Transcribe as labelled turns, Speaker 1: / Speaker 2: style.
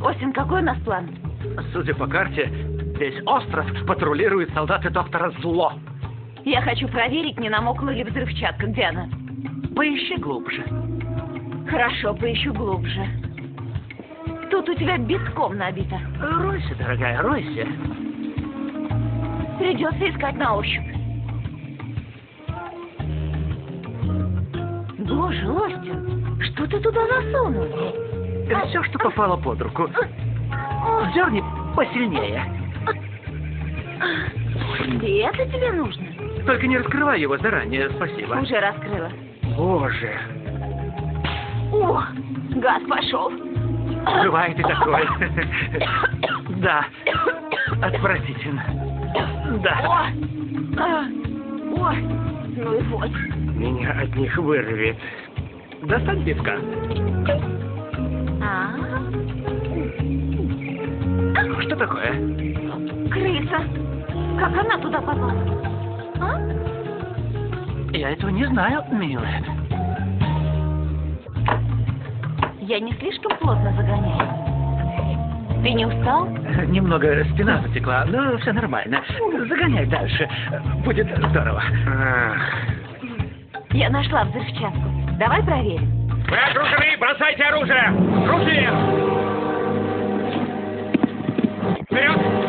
Speaker 1: Остин, какой у нас план?
Speaker 2: Судя по карте, весь остров патрулируют солдаты доктора Зло.
Speaker 1: Я хочу проверить, не намокла ли взрывчатка. Где она?
Speaker 2: Поищи глубже.
Speaker 1: Хорошо, поищу глубже. Тут у тебя битком набито.
Speaker 2: Ройся, дорогая, ройся.
Speaker 1: Придется искать на ощупь. Боже, Остин, что ты туда засунул?
Speaker 2: Все, что попало под руку. Дерни посильнее.
Speaker 1: И это тебе нужно?
Speaker 2: Только не раскрывай его заранее, спасибо.
Speaker 1: Уже раскрыла.
Speaker 2: Боже.
Speaker 1: О, газ пошел.
Speaker 2: Бывает и такое. Да. Отвратительно. Да.
Speaker 1: Ой, ну и вот.
Speaker 3: Меня от них вырвет.
Speaker 2: Достань пивка. Что такое?
Speaker 1: Крыса. Как она туда попала? А?
Speaker 2: Я этого не знаю, милая.
Speaker 1: Я не слишком плотно загоняю. Ты не устал?
Speaker 2: Немного спина затекла, но все нормально. Загоняй дальше. Будет здорово.
Speaker 1: Я нашла взрывчатку. Давай проверим.
Speaker 3: Вы окружены! Бросайте оружие! Руки вверх! Вперед!